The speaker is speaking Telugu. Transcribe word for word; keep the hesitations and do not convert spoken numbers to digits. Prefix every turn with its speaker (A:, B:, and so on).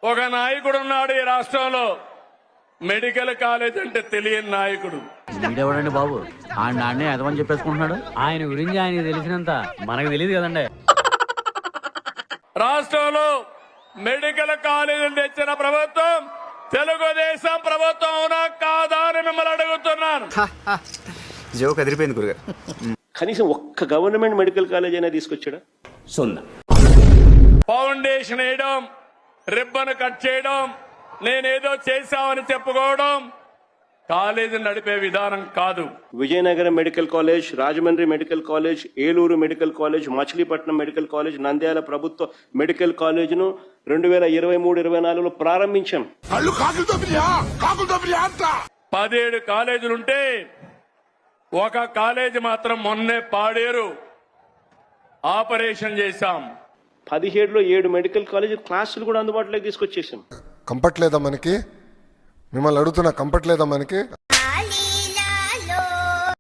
A: ఒక నాయకుడు ఉన్నాడు ఈ రాష్ట్రంలో, మెడికల్ కాలేజ్ అంటే తెలియని నాయకుడు.
B: వీడెవడండి బాబు? ఆయన నాన్నే ఎదవని చెప్పేసుకుంటున్నాడు.
C: ఆయన గురించి ఆయనకి తెలిసినంత మనకు తెలియదు కదండి.
A: రాష్ట్రంలో మెడికల్ కాలేజీలు తెచ్చిన ప్రభుత్వం తెలుగుదేశం ప్రభుత్వం అవునా కాదా అని మిమ్మల్ని అడుగుతున్నాను.
D: జోక్ అదిరిపోయింది గురుగారు.
E: కనీసం ఒక్క గవర్నమెంట్ మెడికల్ కాలేజ్ అయినా తీసుకొచ్చాడా?
D: సున్నా.
A: ఫౌండేషన్ వేయడం, రిబ్బన్ కట్ చేయడం, నేనేదో చేశామని చెప్పుకోవడం కాలేజీ నడిపే విధానం కాదు.
E: Vizianagaram medical college, Rajahmundry medical college, Eluru medical college, Machilipatnam medical college, Nandyal ప్రభుత్వ మెడికల్ కాలేజ్ను రెండు వేల ఇరవై మూడు ఇరవై నాలుగులో ప్రారంభించాం.
A: పదిహేడు కాలేజీలుంటే ఒక కాలేజీ మాత్రం మొన్నే పాడేరు ఆపరేషన్ చేశాం.
E: పదిహేడులో ఏడు మెడికల్ కాలేజ్ క్లాసులు కూడా అందుబాటులోకి తీసుకొచ్చేసాం.
F: కంపట్లేదా మనకి? మిమ్మల్ని అడుగుతున్నా, కంపట్లేదా మనకి?